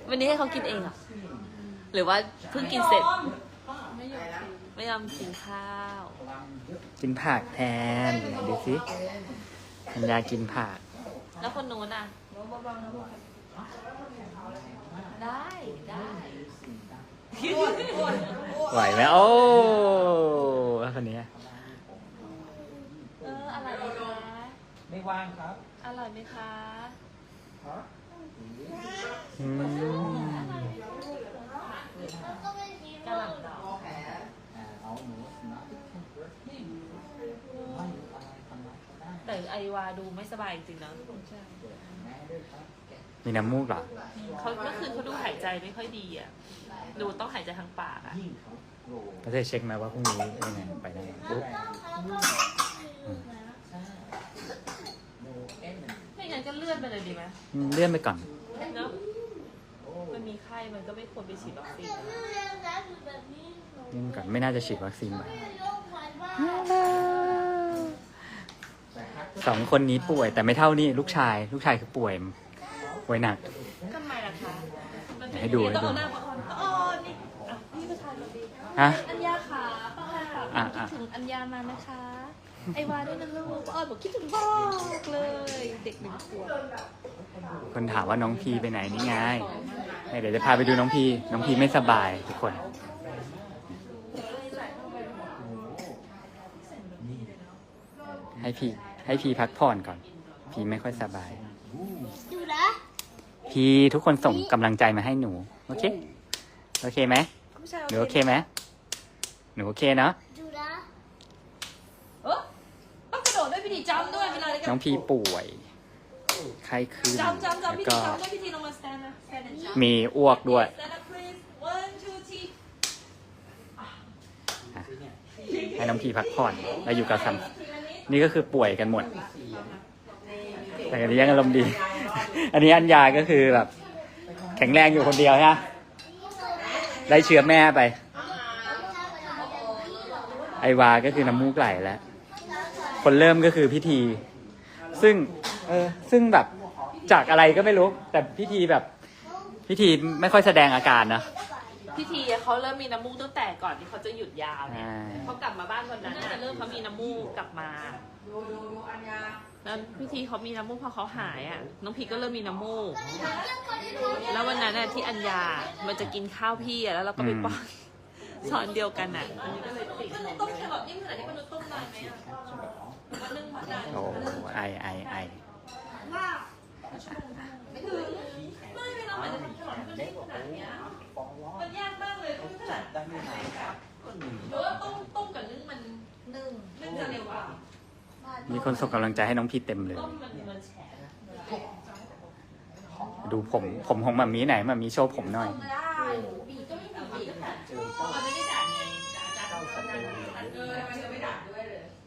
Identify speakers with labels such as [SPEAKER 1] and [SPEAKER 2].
[SPEAKER 1] วันนี้ให้เขากินเองเหรอหรือว่าเพิ่งกินเสร็จไม่ยอมกินข้าว
[SPEAKER 2] กินผักแทนไหนดูสิอัญญากินผัก
[SPEAKER 1] แล้วคนโน้นอ่ะได้ได้
[SPEAKER 2] ไหวไหมโอ้แล้วคนนี้
[SPEAKER 1] อร่อยไหมคะ
[SPEAKER 3] ไม่ว่างครับ
[SPEAKER 1] อร่อยไหมคะ
[SPEAKER 2] อืม
[SPEAKER 1] กะหล่ำดอก
[SPEAKER 3] เอาหนูนะไม่อะไรทำไมก็ได้
[SPEAKER 1] แต่ไอวาดูไม่สบายจริงๆนะ
[SPEAKER 3] แม่ด้วยครับ
[SPEAKER 2] มีน้ำมูกเหรอ
[SPEAKER 1] เขาเมื่อคืนเขาดูหายใจไม่ค่อยดีอ่ะดูต้องหายใจทางปากอ่ะ
[SPEAKER 3] ยิ่งเขาโกรธ
[SPEAKER 2] เราจะเช็คไหมว่าพรุ่งนี้ยังไงไปได้ปุ๊บ
[SPEAKER 3] โนเอ็น
[SPEAKER 1] ไม่งั้นก็เลื่อนไปเลยดีไหม
[SPEAKER 2] เลื่อนไปก่อน
[SPEAKER 1] เนาะมันมีไข้มันก็ไม่ควรไปฉีดวัคซีน
[SPEAKER 2] เลื่อนก่อนไม่น่าจะฉีดวัคซีนไปสองคนนี้ป่วยแต่ไม่เท่านี่ลูกชายคือป่วยหนัก
[SPEAKER 1] ทำไมล่ะคะมันเป็น
[SPEAKER 2] ให้ดู
[SPEAKER 1] ต้องเอาหน้าประคองอ๋อนี่อ่ะพี่ประธานสวัสดี
[SPEAKER 2] ฮะ
[SPEAKER 1] อัญญาค่ะป้าอ้อยค่ะ
[SPEAKER 2] อ่ะ
[SPEAKER 1] คิดถึงอัญญามานะคะ ไอวาด้วยนะลูกป้าอ้อยบอกคิดถึงพ่อเลย เด็ก1 ขวบ
[SPEAKER 2] คนถามว่าน้องพีไปไหนนี่ไงเดี๋ยวจะพาไปดูน้องพีไม่สบายทุกคนให้พีพักผ่อนก่อน พีไม่ค่อยสบาย
[SPEAKER 4] ดูนะ
[SPEAKER 2] พีทุกคนส่งกำลังใจมาให้หนูโอเคไหม
[SPEAKER 1] ผู้ชาย
[SPEAKER 2] หนูโอเคไหมหนูโอเคเนาะ
[SPEAKER 4] ดูนะ
[SPEAKER 1] ต้องกระโดดด้วยพิธีจำด้วยเวลาเล่น
[SPEAKER 2] น้องพีป่วยไข้ขึ้น
[SPEAKER 1] จำ
[SPEAKER 2] แล้ว
[SPEAKER 1] พิธี
[SPEAKER 2] ก็
[SPEAKER 1] จำด้วยพิธีลงมา stand นะ stand and jump
[SPEAKER 2] มีอ้วกด้วย
[SPEAKER 1] stand up please 1 2 3
[SPEAKER 2] ให้น้องพีพักผ่อนแล้วอยู่กับสัมนี่ก็คือป่วยกันหมด แต่อันนี้ยังอารมณ์ดี อันนี้อัญญาก็คือแบบ แข็งแรงอยู่คนเดียวใช่ไหมได้เชื้อแม่ไป ไอวาก็คือน้ำมูกไหลแล้ว คนเริ่มก็คือพิธี ซึ่งแบบจากอะไรก็ไม่รู้ แต่พิธีไม่ค่อยแสดงอาการนะ
[SPEAKER 1] พิธีเขาเริ่มมีน้ำมูกตั้งแต่ก่อนที่เขาจะหยุดยาวเนี่ย
[SPEAKER 2] ใช่
[SPEAKER 1] เขากลับมาบ้านวันนั้นน่าจะเริ่มเขามีน้ำมูกกลับมาแล้วพิธีเขามีน้ำมูกพอเขาหายอ่ะน้องพีก็เริ่มมีน้ำมูก แล้ววันนั้นน่ะที่อัญญา มันจะกินข้าวพี่อ่ะแล้วเราก็ไปป้อนช้อนเดียวกันอ่ะอันนี้ก็เลยติดต้มแครอทยิ่งขนาดนี้มันต้มนานไหมอ่ะวันนึงวันนาน
[SPEAKER 2] โอ้ไอ
[SPEAKER 1] ไม่ถึงไม่เราเหมือนจะทำแครอทให้มันนิ่มขนาดเนี้ยมันยากมากเลยต้มขนาด
[SPEAKER 3] ได้ไม่นานก็หนี
[SPEAKER 1] หรือว่าต้มกับนึ่งมันนึ่งจะเร็วกว่า
[SPEAKER 2] มีคนส่งกำลังใจให้น้องพีเต็มเลย
[SPEAKER 1] ต้มมันแฉะนะ
[SPEAKER 2] ดูผมของมัมมี่ไหนมัมมี่โชว์ผมหน่อย
[SPEAKER 1] บีก็ไม่บีก็แฉะมันไม่ได้ด่าไงด่ามันไม่ได้ด่าด้วย